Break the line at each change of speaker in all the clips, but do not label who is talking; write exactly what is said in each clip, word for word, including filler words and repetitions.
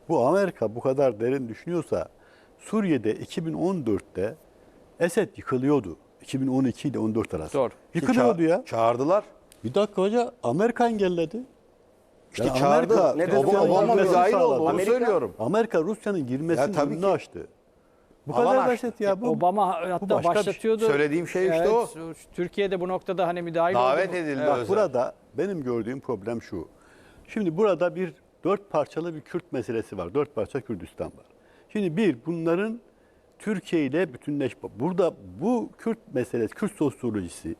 bu Amerika bu kadar derin düşünüyorsa Suriye'de iki bin on dörtte Esed yıkılıyordu. iki bin on iki ile on dört arası.
Doğru.
Yıkılıyordu ya.
Çağırdılar.
Bir dakika hoca, Amerika engelledi.
İşte
Yani
çağırdı.
Amerika,
Ne dedi?
Rusya'nın
Obama
girmesini
müdahil
sağladı.
oldu. Onu
Amerika-
söylüyorum.
Amerika Rusya'nın girmesinin
Ya tabii
önünü
ki.
açtı. Bu
Alan
kadar
açtı.
basit ya. Bu,
Obama
bu
hatta
başka bir şey.
başlatıyordu.
Söylediğim şey işte
Evet,
o.
Türkiye'de bu noktada hani müdahil
Davet
oldu.
edildi.
Bak
özel.
burada benim gördüğüm problem şu. Şimdi burada bir dört parçalı bir Kürt meselesi var. Dört parça Kürdistan var. Şimdi bir, bunların Türkiye ile bütünleşme. Burada bu Kürt meselesi, Kürt sosyolojisi,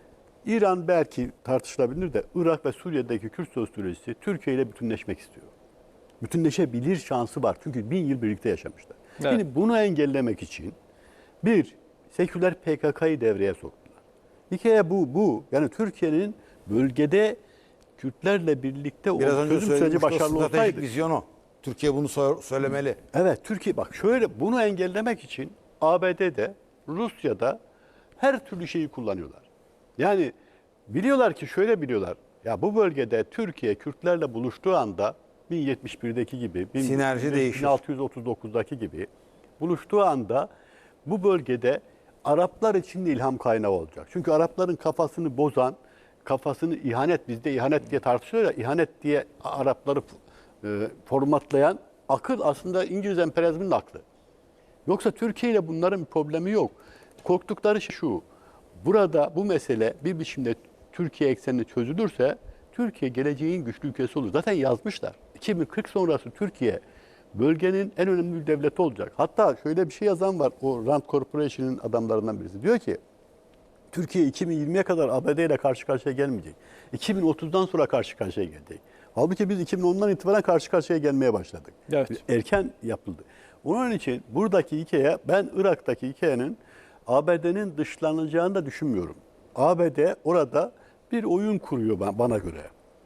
İran belki tartışılabilir de Irak ve Suriye'deki Kürt sosyolojisi Türkiye ile bütünleşmek istiyor. Bütünleşebilir şansı var. Çünkü bin yıl birlikte yaşamışlar.
Evet.
Şimdi bunu engellemek için bir, seküler P K K'yı devreye soktular. Hikaye bu, bu. Yani Türkiye'nin bölgede Kürtlerle birlikte
Biraz
o
önce
çözüm süreci
söylediğim
başarılı
stratejik
olsaydı.
vizyon o. Türkiye bunu so- söylemeli.
Evet, Türkiye bak şöyle bunu engellemek için A B D'de, Rusya'da her türlü şeyi kullanıyorlar. Yani biliyorlar ki şöyle biliyorlar. Ya bu bölgede Türkiye Kürtlerle buluştuğu anda bin yetmiş birdeki gibi, bin-
Sinerji değişir.
bin altı yüz otuz dokuzdaki gibi buluştuğu anda bu bölgede Araplar için de ilham kaynağı olacak. Çünkü Arapların kafasını bozan, kafasını ihanet, bizde ihanet diye tartışılıyor ya, ihanet diye Arapları e, formatlayan akıl aslında İngiliz emperyalizminin aklı. Yoksa Türkiye ile bunların bir problemi yok. Korktukları şey şu, burada bu mesele bir biçimde Türkiye ekseninde çözülürse Türkiye geleceğin güçlü ülkesi olur. Zaten yazmışlar. iki bin kırk sonrası Türkiye bölgenin en önemli bir devleti olacak. Hatta şöyle bir şey yazan var, o Rand Corporation'ın adamlarından birisi. Diyor ki, Türkiye iki bin yirmiye kadar A B D ile karşı karşıya gelmeyecek. iki bin otuzdan sonra karşı karşıya gelecek. Halbuki biz iki bin ondan itibaren karşı karşıya gelmeye başladık.
Evet.
Erken yapıldı. Onun için buradaki hikaye, ben Irak'taki hikayenin A B D'nin dışlanacağını da düşünmüyorum. A B D orada bir oyun kuruyor bana göre.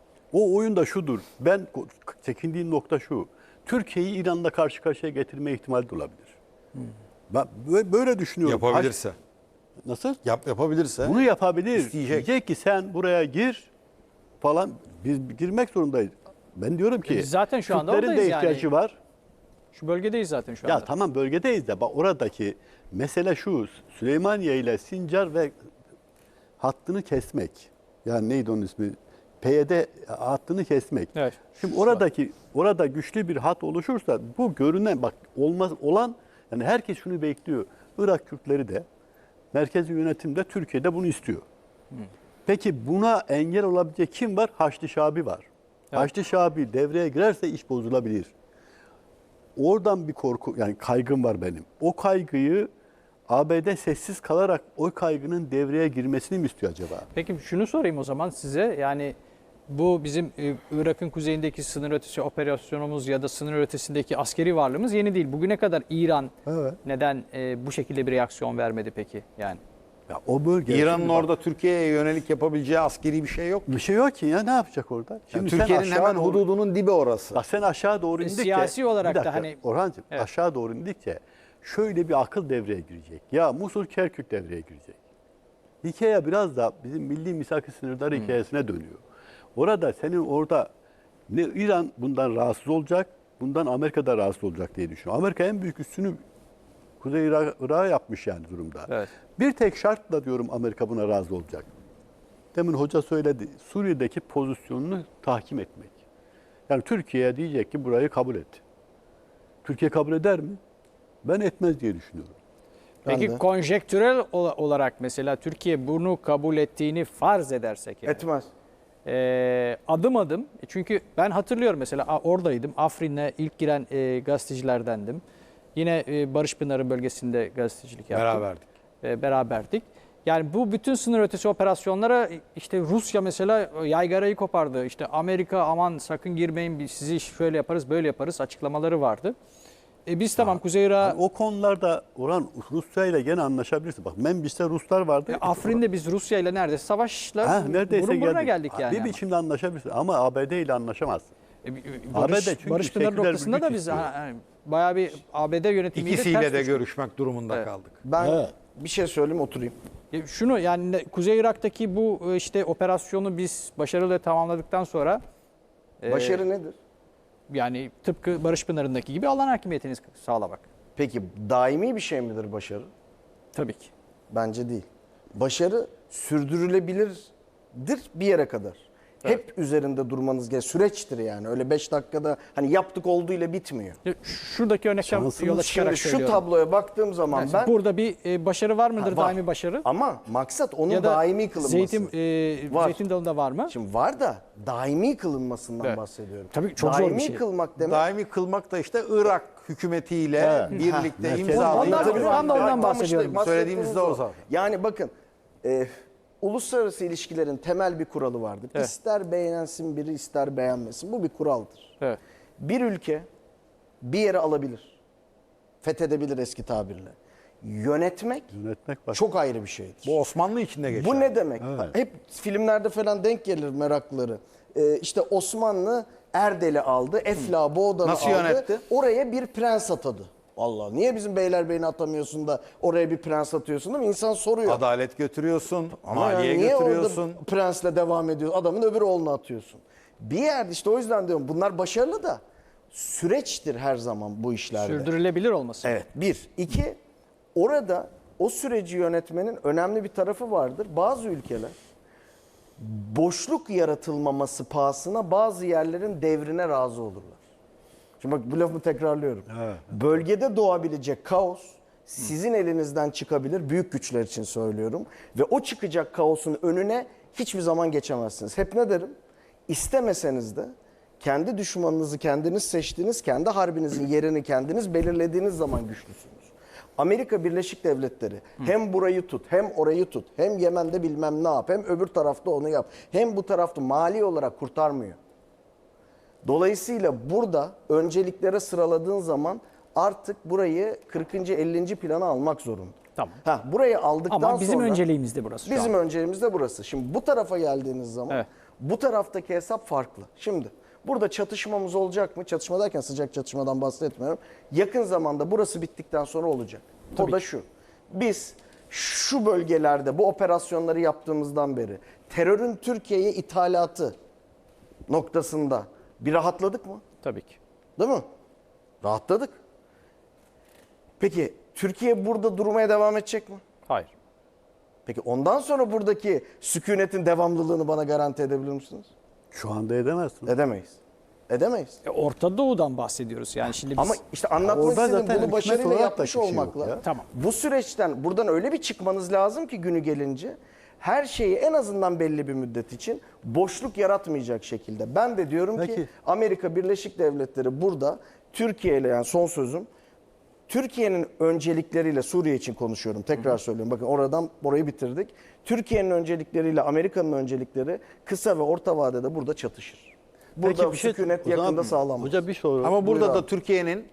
O oyun da şudur. Ben çekindiğim nokta şu. Türkiye'yi İran'la karşı karşıya getirme ihtimali de olabilir. Hmm. Ben böyle düşünüyorum.
Yapabilirse.
Nasıl?
Yap, yapabilirse.
Bunu yapabilir.
İsteyecek.
Diyecek ki sen buraya gir falan. Biz girmek zorundayız. Ben diyorum ki
Biz zaten şu anda
Kürtlerin de
oradayız
ihtiyacı
yani.
var.
Şu bölgedeyiz zaten şu anda.
Ya tamam bölgedeyiz de bak oradaki mesele şu. Süleymaniye ile Sincar ve hattını kesmek. Yani neydi onun ismi? P Y D hattını kesmek.
Evet.
Şimdi oradaki orada güçlü bir hat oluşursa bu görünen bak olmaz olan yani herkes şunu bekliyor. Irak Kürtleri de merkezi yönetimde Türkiye'de bunu istiyor. Hmm. Peki buna engel olabilecek kim var? Haçlı Şabi var. Evet. Haçlı Şabi devreye girerse iş bozulabilir. Oradan bir korku yani kaygım var benim. O kaygıyı A B D sessiz kalarak o kaygının devreye girmesini mi istiyor acaba?
Peki şunu sorayım o zaman size. Yani bu bizim e, Irak'ın kuzeyindeki sınır ötesi operasyonumuz ya da sınır ötesindeki askeri varlığımız yeni değil. Bugüne kadar İran
Evet.
neden e, bu şekilde bir reaksiyon vermedi peki? Yani
Ya o bölge
İran'ın orada Türkiye'ye yönelik yapabileceği askeri bir şey yok.
bir şey yok ki ya ne yapacak orada?
Yani
sen
Türkiye'nin
aşağı
hemen
doğru-
hududunun dibi orası.
Bak sen aşağı doğru
E,
indikçe
siyasi olarak
bir
da
dakika,
hani-
Orhancığım
Evet.
aşağı doğru indikçe şöyle bir akıl devreye girecek. Ya Musul Kerkük devreye girecek. Hikaye biraz da bizim milli misak-ı sınırları hikayesine dönüyor. Orada senin orada ne İran bundan rahatsız olacak, bundan Amerika da rahatsız olacak diye düşünüyorum. Amerika en büyük üstünü Kuzey Irak- Irak'a yapmış yani durumda.
Evet.
Bir tek şartla diyorum Amerika buna razı olacak. Demin hoca söyledi. Suriye'deki pozisyonunu tahkim etmek. Yani Türkiye diyecek ki burayı kabul et. Türkiye kabul eder mi? Ben etmez diye düşünüyorum.
peki
de.
konjektürel ola- olarak mesela Türkiye bunu kabul ettiğini farz edersek yani.
Etmez.
E, adım adım e, çünkü ben hatırlıyorum mesela a- oradaydım. Afrin'e ilk giren e, gazetecilerdendim. Yine e, Barış Pınarı bölgesinde gazetecilik yaptım.
Beraberdik.
E, beraberdik. Yani bu bütün sınır ötesi operasyonlara işte Rusya mesela yaygarayı kopardı. İşte Amerika aman sakın girmeyin biz sizi şöyle yaparız böyle yaparız açıklamaları vardı. E biz tamam Kuzey Irak'a
Yani o konularda Orhan Rusya ile gene anlaşabilirsin. Bak Membis'te Ruslar vardı.
e, Afrin'de biz Rusya ile neredeyse savaşla
Ha, neredeyse
burun buruna
geldik.
geldik yani.
Bir
ama.
biçimde anlaşabilirsin ama A B D ile anlaşamazsın.
E, bir-
A B D
Barış,
çünkü
Barış Pınarı
seküler bir
noktasında
güç
da biz
istiyor.
ha, ha, bayağı bir A B D yönetimiyle
İkisiyle
ters
de
düştük.
görüşmek durumunda
Evet.
kaldık.
Ben
Evet.
bir şey söyleyeyim oturayım.
E, Şunu yani ne- Kuzey Irak'taki bu e, işte operasyonu biz başarıyla tamamladıktan sonra e,
Başarı nedir?
Yani tıpkı Barış Pınarı'ndaki gibi alan hakimiyetini sağlamak.
Peki daimi bir şey midir başarı?
Tabii ki.
Bence değil. Başarı sürdürülebilirdir bir yere kadar. Hep üzerinde durmanız gerekiyor. Süreçtir yani. Öyle beş dakikada hani yaptık oldu ile bitmiyor.
Şuradaki örnekten
Şansımız
yola çıkarak
Şimdi şu
söylüyorum.
tabloya baktığım zaman
Yani
ben
burada bir e, başarı var mıdır,
Ha, var.
daimi başarı?
ama maksat onun
Ya da
daimi kılınması.
zeytin, e,
Var.
zeytin dalında var mı?
Şimdi var da daimi kılınmasından
Evet.
bahsediyorum.
Tabii çok zor
daimi
bir şey.
kılmak demek
Daimi kılmak da işte Irak hükümetiyle
Evet.
birlikte
Ha,
imzalayıp
Ondan-
Tabii,
ben de ondan
tam
bahsediyorum.
işte
Söylediğimiz de o zaten.
Yani bakın e, uluslararası ilişkilerin temel bir kuralı vardır.
Evet.
İster beğensin biri ister beğenmesin. Bu bir kuraldır.
Evet.
Bir ülke bir yere alabilir. Fethedebilir eski tabirle. Yönetmek
Yönetmek var.
çok ayrı bir şeydir.
bu Osmanlı içinde geçer.
Bu ne demek?
Evet.
Hep filmlerde falan denk gelir meraklıları. Ee, işte Osmanlı Erdel'i aldı, Efla Boğdan'ı
Nasıl
aldı.
yönetti?
Oraya bir prens atadı. Allah niye bizim Beylerbeyi'ni atamıyorsun da oraya bir prens atıyorsun değil mi? İnsan soruyor.
Adalet götürüyorsun,
Ama
maliye
yani niye
götürüyorsun.
orada prensle devam ediyorsun? Adamın öbür oğlunu atıyorsun. Bir yerde işte o yüzden diyorum bunlar başarılı da süreçtir her zaman bu işlerde.
Sürdürülebilir olması.
Evet. Bir. İki, orada o süreci yönetmenin önemli bir tarafı vardır. Bazı ülkeler boşluk yaratılmaması pahasına bazı yerlerin devrine razı olurlar. Şimdi bak bu lafımı tekrarlıyorum.
Evet.
Bölgede doğabilecek kaos sizin elinizden çıkabilir. Büyük güçler için söylüyorum. Ve o çıkacak kaosun önüne hiçbir zaman geçemezsiniz. Hep ne derim? İstemeseniz de kendi düşmanınızı kendiniz seçtiğiniz, kendi harbinizin yerini kendiniz belirlediğiniz zaman güçlüsünüz. Amerika Birleşik Devletleri hem burayı tut, hem orayı tut, hem Yemen'de bilmem ne yap, hem öbür tarafta onu yap, hem bu tarafta mali olarak kurtarmıyor. Dolayısıyla burada önceliklere sıraladığın zaman artık burayı kırkıncı ellinci plana almak zorunda.
Tamam.
Ha, burayı aldıktan
Ama bizim
sonra
önceliğimiz de burası şu
bizim
an.
önceliğimiz de burası. Şimdi bu tarafa geldiğiniz zaman
Evet.
bu taraftaki hesap farklı. Şimdi burada çatışmamız olacak mı? Çatışma derken sıcak çatışmadan bahsetmiyorum. Yakın zamanda burası bittikten sonra olacak. O da şu. Biz şu bölgelerde bu operasyonları yaptığımızdan beri terörün Türkiye'ye ithalatı noktasında bir rahatladık mı?
Tabii ki.
Değil mi? Rahatladık. Peki Türkiye burada durmaya devam edecek mi?
Hayır.
Peki ondan sonra buradaki sükunetin devamlılığını bana garanti edebilir misiniz?
Şu anda edemezsin.
Edemeyiz. Edemeyiz.
E, Orta Doğu'dan bahsediyoruz. Yani şimdi biz
Ama işte anlatmak
Orada
istediğim
zaten
bunu
hükümet
başarıyla
olarak da
yapmış
bir şey yok
olmakla.
ya.
Tamam.
Bu süreçten buradan öyle bir çıkmanız lazım ki günü gelince her şeyi en azından belli bir müddet için boşluk yaratmayacak şekilde. Ben de diyorum ki
Peki.
Amerika Birleşik Devletleri burada Türkiye ile yani son sözüm Türkiye'nin öncelikleriyle Suriye için konuşuyorum. Tekrar söylüyorum. Bakın oradan orayı bitirdik. Türkiye'nin öncelikleriyle Amerika'nın öncelikleri kısa ve orta vadede burada çatışır. Burada
Peki bir şey-
sükunet
o zaman
yakında sağlanmaz.
Hoca bir soru.
Ama burada
Buyur
da
abi.
Türkiye'nin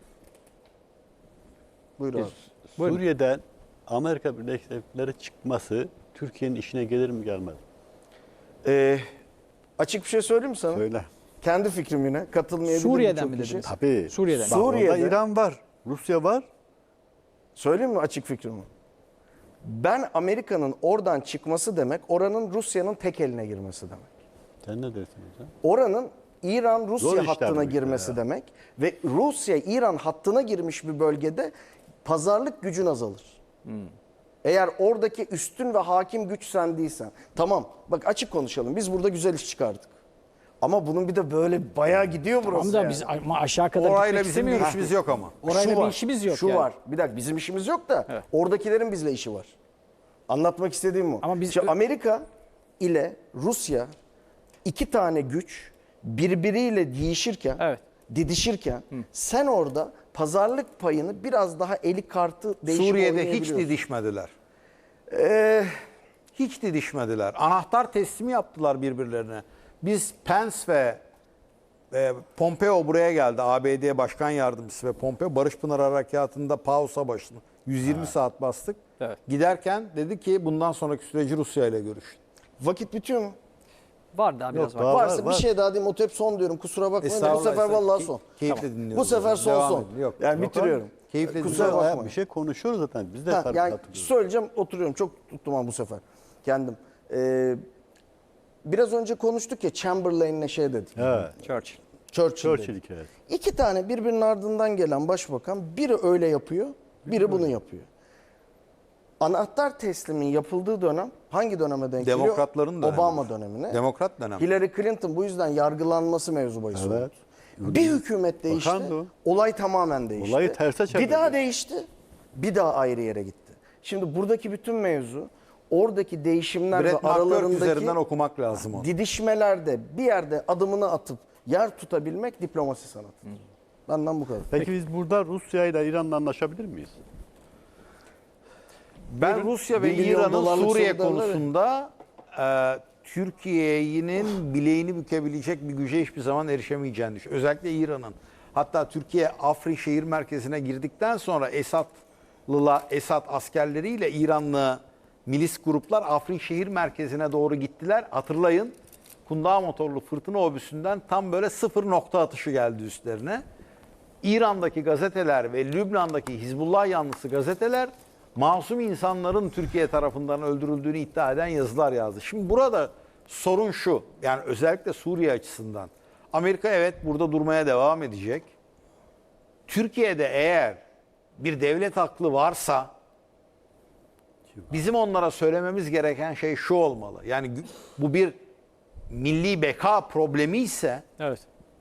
Buyur abi.
Suriye'den Amerika Birleşik Devletleri çıkması Türkiye'nin işine gelir mi gelmez mi?
Ee, açık bir şey söyleyeyim mi sana?
Söyle.
Kendi fikrim yine. Katılmayabilir
Suriye'den
birçok
mi
kişi.
dediniz?
Tabii.
Suriye'den.
Bak, orada
Suriye'de-
İran var, Rusya var.
Söyleyeyim mi açık fikrimi? Ben Amerika'nın oradan çıkması demek, oranın Rusya'nın tek eline girmesi demek.
Sen ne dersin hocam?
Oranın
Zor
İran-Rusya
işler
hattına
bu işler
girmesi
ya.
demek ve Rusya-İran hattına girmiş bir bölgede pazarlık gücün azalır. Eğer oradaki üstün ve hakim güç sen değilsen. Tamam bak açık konuşalım biz burada güzel iş çıkardık. Ama bunun bir de böyle bayağı gidiyor burası.
Ama da
yani.
biz ama aşağı kadar
orayla
gitmek
bizim bir
istemiyoruz.
işimiz yok ama.
Orayla
Şu
bir
var,
işimiz yok
Şu
yani.
var. Bir dakika bizim işimiz yok da
Evet.
oradakilerin bizle işi var. Anlatmak istediğim bu.
Ama biz-
Şimdi Amerika ile Rusya iki tane güç birbiriyle değişirken,
Evet.
didişirken sen orada pazarlık payını biraz daha eli kartı değişip
Suriye'de hiç
oynayabiliyorsun.
didişmediler.
Ee,
Hiç didişmediler. Anahtar teslimi yaptılar birbirlerine. Biz Pence ve e, Pompeo buraya geldi. A B D Başkan Yardımcısı ve Pompeo Barış Pınar Harekatı'nda Pau Savaşı'nı yüz yirmi saat bastık.
Evet.
Giderken dedi ki bundan sonraki süreci Rusya ile görüşün.
vakit bitiyor mu?
Var daha biraz
Yok,
var.
daha var,
Varsa
var.
bir şey daha diyeyim. O hep son diyorum. Kusura bakmayın. da Bu
Estağfurullah,
sefer
estağfurullah.
vallahi
Key-
son.
Keyifle
Tamam.
dinliyoruz.
Bu sefer son
Devam
son.
edin. Yok,
yani
yok
bitiriyorum.
abi. Keyifle
Kusura
dinliyoruz.
bakmayın.
Ya, bir şey konuşuyoruz zaten. Biz de
Ha,
tabii
yani
hatırlıyoruz.
söyleyeceğim oturuyorum. Çok tuttum ama bu sefer. Kendim. Ee, biraz önce konuştuk ya Chamberlain'le şey dedik.
Evet.
Churchill.
Churchill, dedi.
Churchill hikayesi.
İki tane birbirinin ardından gelen başbakan, biri öyle yapıyor, biri bunu yapıyor. Anahtar teslimin yapıldığı dönem hangi döneme denk geliyor?
Demokratların dönemi.
Obama dönemine.
Demokrat dönemi.
Hillary Clinton bu yüzden yargılanması mevzu bahis oldu.
Evet.
Bir hükümet değişti,
Bakandı o.
olay tamamen değişti.
Olayı terse çevirdi.
Bir daha değişti, bir daha ayrı yere gitti. Şimdi buradaki bütün mevzu, oradaki değişimler ve
Brett McGurk
aralarındaki
üzerinden okumak lazım onu.
didişmelerde bir yerde adımını atıp yer tutabilmek diplomasi sanatı. Benden bu kadar.
Peki biz burada Rusya ile İran'la anlaşabilir miyiz?
Ben Rusya ve
bir milyon
İran'ın
dolarlık
Suriye
soru derler ya.
konusunda e, Türkiye'nin bileğini bükebilecek bir güce hiçbir zaman erişemeyeceğini düşünüyorum. Özellikle İran'ın. Hatta Türkiye Afrin şehir merkezine girdikten sonra Esadlılar, Esad askerleriyle İranlı milis gruplar Afrin şehir merkezine doğru gittiler. Hatırlayın, Kundağ motorlu fırtına obüsünden tam böyle sıfır nokta atışı geldi üstlerine. İran'daki gazeteler ve Lübnan'daki Hizbullah yanlısı gazeteler masum insanların Türkiye tarafından öldürüldüğünü iddia eden yazılar yazdı. Şimdi burada sorun şu, yani özellikle Suriye açısından. Amerika evet burada durmaya devam edecek. Türkiye'de eğer bir devlet aklı varsa bizim onlara söylememiz gereken şey şu olmalı. Yani bu bir milli beka problemi ise
Evet.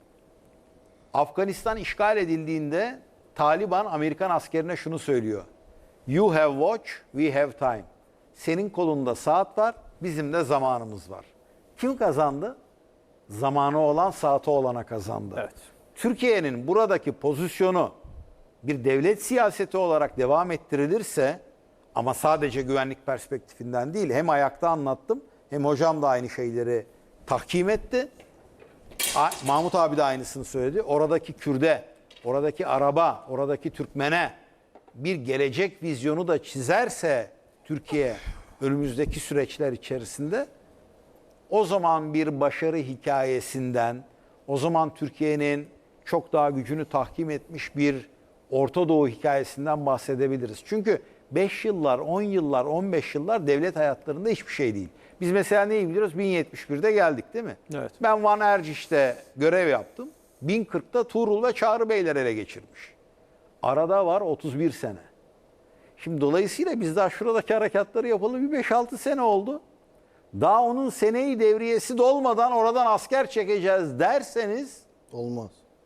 Afganistan işgal edildiğinde Taliban Amerikan askerine şunu söylüyor. You have watch, we have time. Senin kolunda saat var, bizim de zamanımız var. Kim kazandı? Zamanı olan saati olana kazandı.
Evet.
Türkiye'nin buradaki pozisyonu bir devlet siyaseti olarak devam ettirilirse ama sadece güvenlik perspektifinden değil, hem ayakta anlattım hem hocam da aynı şeyleri tahkim etti. A- Mahmut abi de aynısını söyledi. Oradaki Kürde, oradaki Araba, oradaki Türkmene bir gelecek vizyonu da çizerse Türkiye önümüzdeki süreçler içerisinde o zaman bir başarı hikayesinden, o zaman Türkiye'nin çok daha gücünü tahkim etmiş bir Orta Doğu hikayesinden bahsedebiliriz. Çünkü beş yıllar, on yıllar, on beş yıllar devlet hayatlarında hiçbir şey değil. Biz mesela neyi biliyoruz? bin yetmiş birde geldik değil mi?
Evet.
Ben Van Erciş'te görev yaptım. bin kırkta Tuğrul ve Çağrı Beyler ele geçirmiş. Arada var otuz bir sene. Şimdi dolayısıyla biz daha şuradaki harekatları yapalı bir beş altı sene oldu. Daha onun seneyi devriyesi dolmadan oradan asker çekeceğiz derseniz
Olmaz.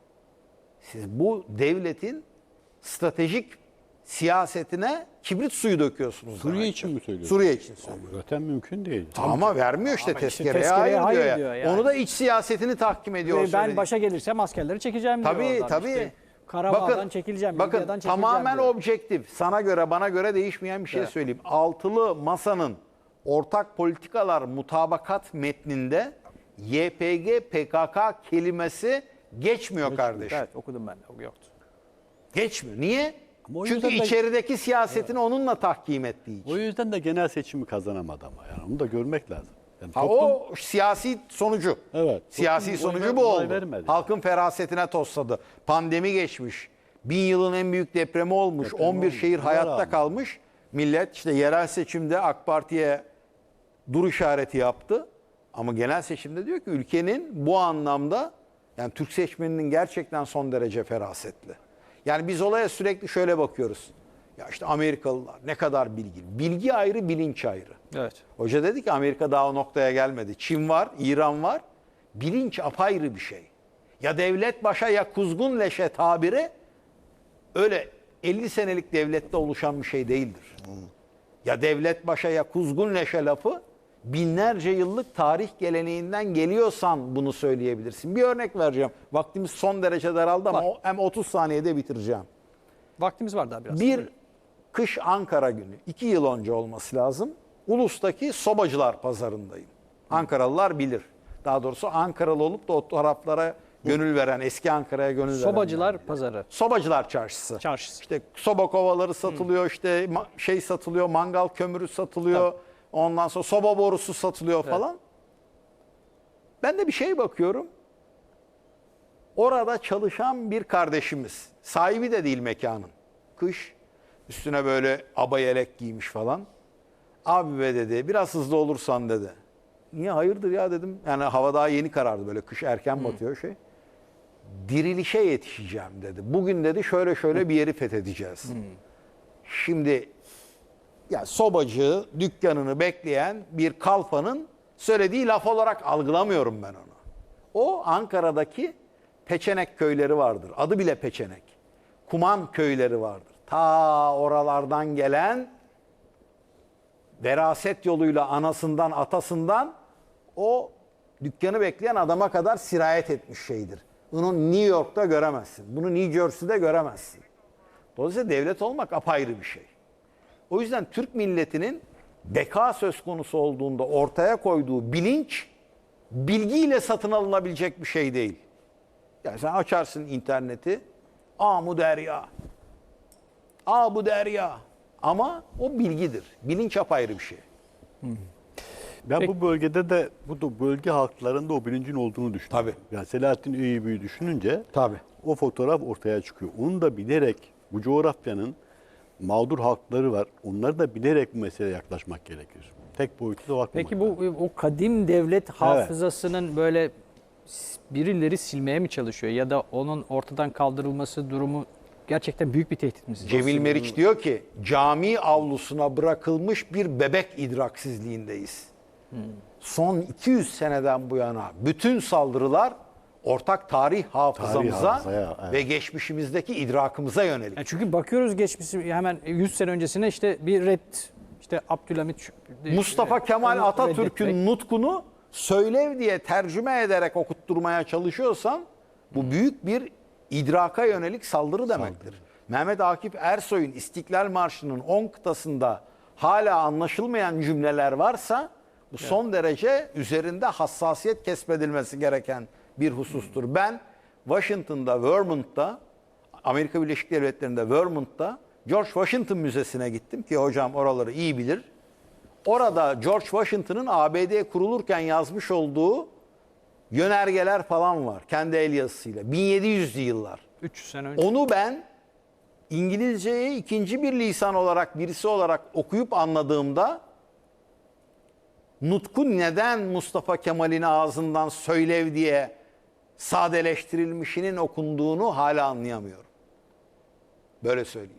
siz bu devletin stratejik siyasetine kibrit suyu döküyorsunuz.
Suriye
demektir.
için mi söylüyorsun?
Suriye için söylüyorum.
Zaten mümkün değil.
Ama vermiyor işte
Ama işte
tezkereye,
tezkereye
hayır,
hayır
diyor,
diyor
ya.
yani.
Onu da iç siyasetini tahkim ediyor.
Ve ben
söylediği.
başa gelirsem askerleri çekeceğim diyor
Tabii
oradan.
tabii.
İşte Karabağ'dan çekileceğim,
bakın
Libya'dan çekileceğim
tamamen
diyor.
objektif. Sana göre bana göre değişmeyen bir şey
Evet.
söyleyeyim. Altılı masanın ortak politikalar mutabakat metninde Y P G P K K kelimesi geçmiyor kardeşim.
Evet okudum ben de. Yoktu.
Geçmiyor. Niye?
Ama o
Çünkü
yüzden de-
içerideki siyasetini onunla tahkim ettiği için.
O yüzden de genel seçimi kazanamadı ama yani onu da görmek lazım. Yani
Ha,
toplum-
o siyasi sonucu.
Evet.
Siyasi
Toplum
sonucu
oy-
bu
oy
oldu.
vermedi.
Halkın ferasetine tosladı. Pandemi geçmiş. Bin yılın en büyük depremi olmuş.
Deprem
on bir
olmuş.
şehir
Buna
hayatta
rağmen.
kalmış. Millet işte yerel seçimde AK Parti'ye dur işareti yaptı. Ama genel seçimde diyor ki ülkenin bu anlamda yani Türk seçmeninin gerçekten son derece ferasetli. Yani biz olaya sürekli şöyle bakıyoruz. Ya işte Amerikalılar ne kadar bilgili. Bilgi ayrı, bilinç ayrı.
Evet.
Hoca dedi ki Amerika daha o noktaya gelmedi. Çin var, İran var. Bilinç apayrı bir şey. Ya devlet başa ya kuzgun leşe tabiri öyle elli senelik devlette oluşan bir şey değildir. Ya devlet başa ya kuzgun leşe lafı binlerce yıllık tarih geleneğinden geliyorsan bunu söyleyebilirsin. Bir örnek vereceğim. Vaktimiz son derece daraldı ama o- hem otuz saniyede bitireceğim.
Vaktimiz var daha biraz.
Bir kış Ankara günü, iki yıl önce olması lazım. Ulus'taki Sobacılar Pazarı'ndayım. Ankaralılar bilir. Daha doğrusu Ankaralı olup da o taraflara gönül veren, eski Ankara'ya gönül veren.
Sobacılar Pazarı.
Sobacılar Çarşısı.
Çarşısı.
İşte soba kovaları satılıyor, işte ma- şey satılıyor, mangal kömürü satılıyor. Ondan sonra soba borusu satılıyor falan. Ben de bir şey bakıyorum. Orada çalışan bir kardeşimiz. Sahibi de değil mekanın. Kış. Üstüne böyle aba yelek giymiş falan. Abi be dedi biraz hızlı olursan dedi. Niye hayırdır ya dedim. Yani hava daha yeni karardı böyle kış erken batıyor şey. dirilişe yetişeceğim dedi. Bugün dedi şöyle şöyle bir yeri fethedeceğiz. Şimdi ya sobacı dükkanını bekleyen bir kalfanın söylediği laf olarak algılamıyorum ben onu. O Ankara'daki Peçenek köyleri vardır. Adı bile Peçenek. Kuman köyleri vardır. Ta oralardan gelen veraset yoluyla anasından atasından o dükkanı bekleyen adama kadar sirayet etmiş şeydir. Bunu New York'ta göremezsin. Bunu New Jersey'de göremezsin. Dolayısıyla devlet olmak apayrı bir şey. O yüzden Türk milletinin beka söz konusu olduğunda ortaya koyduğu bilinç bilgiyle satın alınabilecek bir şey değil. Yani sen açarsın interneti, aa bu derya, aa bu derya. Ama o bilgidir. Bilinç apayrı bir şey.
Ben
Peki.
bu bölgede de bu da bölge halklarında o bilincin olduğunu düşünüyorum.
Tabii.
Yani Selahattin Eyyubi'yi düşününce
Tabii.
o fotoğraf ortaya çıkıyor. Onu da bilerek bu coğrafyanın mağdur halkları var. Onları da bilerek bu meseleye yaklaşmak gerekir. Tek boyutlu da bakmamak.
Peki bu o kadim devlet hafızasının böyle birileri silmeye mi çalışıyor ya da onun ortadan kaldırılması durumu gerçekten büyük bir tehdit mi? sizce?
Cemil Meriç diyor ki cami avlusuna bırakılmış bir bebek idraksizliğindeyiz. Son iki yüz seneden bu yana bütün saldırılar ortak tarih hafızamıza
hafızaya, evet.
ve geçmişimizdeki idrakımıza yönelik.
Yani çünkü bakıyoruz geçmişi hemen yüz sene öncesine işte bir red işte Abdülhamit
Mustafa Kemal
onu
Atatürk'ün
reddetmek.
nutkunu söylev diye tercüme ederek okutturmaya çalışıyorsan bu büyük bir idraka yönelik saldırı demektir. Mehmet Akif Ersoy'un İstiklal Marşı'nın on kıtasında hala anlaşılmayan cümleler varsa bu son derece üzerinde hassasiyet kesmedilmesi gereken bir husustur. Ben Washington'da, Vermont'ta, Amerika Birleşik Devletleri'nde Vermont'ta George Washington Müzesi'ne gittim ki hocam oraları iyi bilir. Orada George Washington'ın A B D kurulurken yazmış olduğu yönergeler falan var. Kendi el yazısıyla. bin yedi yüzlü yıllar.
üç yüz sene önce.
Onu ben İngilizceyi ikinci bir lisan olarak, birisi olarak okuyup anladığımda nutku neden Mustafa Kemal'in ağzından söylev diye sadeleştirilmişinin okunduğunu hala anlayamıyorum. Böyle söyleyeyim.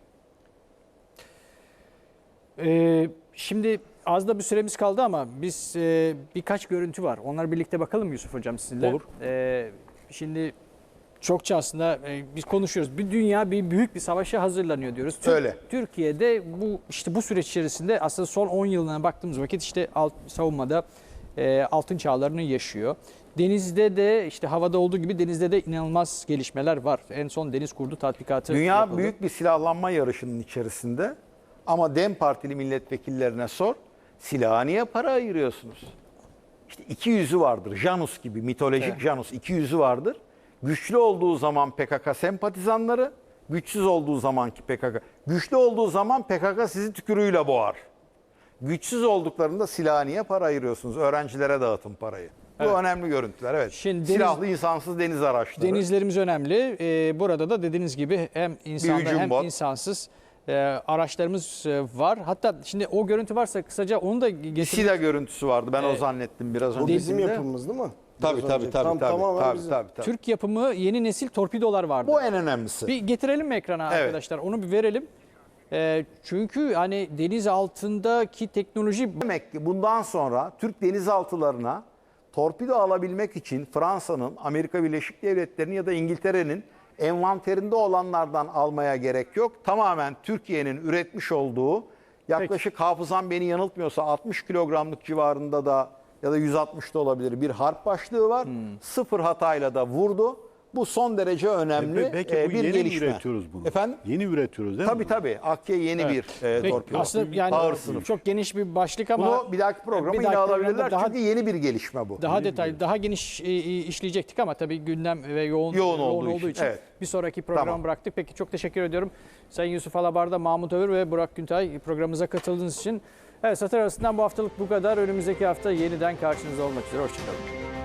Ee, şimdi az da bir süremiz kaldı ama biz e, birkaç görüntü var. Onları birlikte bakalım Yusuf Hocam sizinle.
Olur.
Ee, şimdi çokça aslında e, biz konuşuyoruz. Bir dünya bir büyük bir savaşa hazırlanıyor diyoruz. Tür-
Öyle.
Türkiye'de bu işte bu süreç içerisinde aslında son on yılına baktığımız vakit işte alt, savunmada e, altın çağlarını yaşıyor. Denizde de işte havada olduğu gibi denizde de inanılmaz gelişmeler var. En son deniz kurdu tatbikatı
Dünya
yapıldı.
büyük bir silahlanma yarışının içerisinde ama DEM Partili milletvekillerine sor, silaha niye para ayırıyorsunuz? İşte iki yüzü vardır. Janus gibi, mitolojik
Evet.
Janus iki yüzü vardır. Güçlü olduğu zaman P K K sempatizanları, güçsüz olduğu zamanki P K K. Güçlü olduğu zaman P K K sizi tükürüğüyle boğar. Güçsüz olduklarında silaha niye para ayırıyorsunuz? Öğrencilere dağıtın parayı. Bu
Evet.
önemli görüntüler. Evet.
Şimdi deniz-
Silahlı insansız deniz araçları.
Denizlerimiz önemli. Ee, burada da dediğiniz gibi hem insanlı
hücum
hem
bot.
insansız e, araçlarımız e, var. Hatta şimdi o görüntü varsa kısaca onu da getirin.
SİDA görüntüsü vardı. Ben o zannettim biraz
Bu
önce.
bizim
Filmde.
yapımımız değil mi?
Tabii
Biraz
tabii
önce.
tabii
Tam-
tabii.
tamamen
Tabii,
bizim.
tabii, tabii.
Türk yapımı yeni nesil torpidolar vardı.
Bu en önemlisi.
Bir getirelim mi ekrana
Evet.
arkadaşlar? Onu bir verelim. E, çünkü hani deniz altındaki teknoloji
Demek ki bundan sonra Türk denizaltılarına torpido alabilmek için Fransa'nın, Amerika Birleşik Devletleri'nin ya da İngiltere'nin envanterinde olanlardan almaya gerek yok. Tamamen Türkiye'nin üretmiş olduğu yaklaşık hafızam beni yanıltmıyorsa altmış kilogramlık civarında da ya da yüz altmış da olabilir bir harp başlığı var. Sıfır hatayla da vurdu. Bu son derece önemli
Belki
e,
bu
bir
yeni
gelişme.
üretiyoruz bunu.
Efendim?
Yeni üretiyoruz değil mi?
Tabii tabii. Akya yeni bir e,
Peki,
torpido.
aslında yani
Ağır sınıf.
çok geniş bir başlık ama
Bunu bir dahaki programa
bir
yine
dahaki
alabilirler
programda daha-
çünkü yeni bir gelişme bu.
daha detaylı, daha geniş e, e, işleyecektik ama tabii gündem ve yoğun,
Yoğun olduğu için, evet.
bir sonraki programı
Tamam.
bıraktık. Peki çok teşekkür ediyorum. Sayın Yusuf Alabar'da, Mahmut Övür ve Burak Güntay programımıza katıldığınız için. Evet, Satır Arası'ndan bu haftalık bu kadar. Önümüzdeki hafta yeniden karşınızda olmak üzere. Hoşçakalın.